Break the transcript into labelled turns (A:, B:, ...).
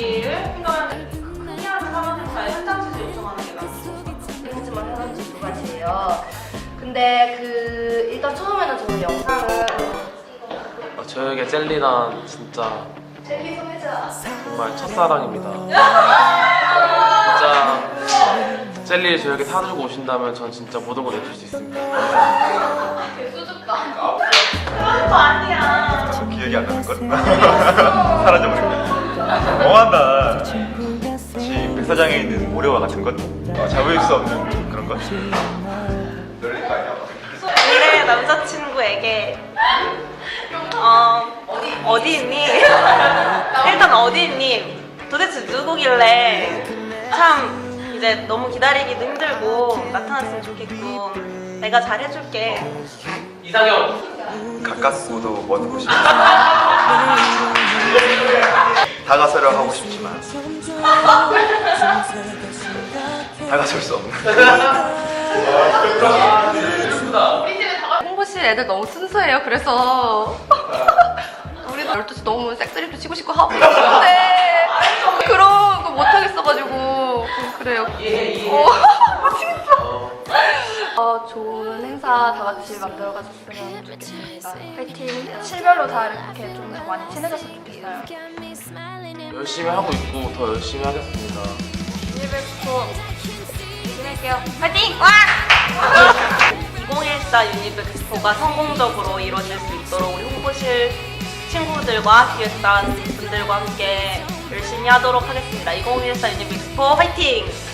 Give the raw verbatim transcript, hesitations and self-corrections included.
A: 자리를 생각하는 클리어하는 사망행사에 현장지수 요청하는 게 낫죠.
B: 하지만 현장지 두 가지예요. 근데 그 일단 처음에는 저는 영상을
C: 아, 저에게 젤리란 진짜
B: 젤리 소매자
C: 정말 첫사랑입니다. 진짜 젤리를 저에게 사주고 오신다면 전 진짜 모든 걸 내줄 수 있습니다.
B: 개수줍다.
A: 그런 거 아니야.
D: 기억이 안 나는 걸? 사라져버린 거. 너무한다. 혹시 백사장에 있는 모래와 같은 것? 어, 잡을 수 없는 그런 것? 놀릴 거 아니야?
A: 미래 남자친구에게 어 어디 있니? 일단 어디 있니? 도대체 누구길래 참 이제 너무 기다리기도 힘들고 나타났으면 좋겠고 내가 잘해줄게.
C: 이상형!
D: 가깝고도 먼 곳이고 다가서려 하고 싶지만 다가설 수 없는
B: 홍보실 애들 너무 순수해요. 그래서 우리 열두 시 너무 색드립도 치고 싶고 하고 싶은데 그런 거 못하겠어가지고 그래요. 어, 진짜. 어, 좋은 행사 다 같이 만들어가셨으면 좋겠습니다. 화이팅! 실별로 다 이렇게 좀 더 많이 친해졌으면 좋겠어요.
C: 열심히 하고 있고 더 열심히 하겠습니다.
B: 유니백스포 진행할게요. 화이팅! 와!
A: 이천십사 유니백스포가 성공적으로 이루어질 수 있도록 우리 홍보실 친구들과 기획단 분들과 함께 열심히 하도록 하겠습니다. 이천십사 유니백스포 화이팅!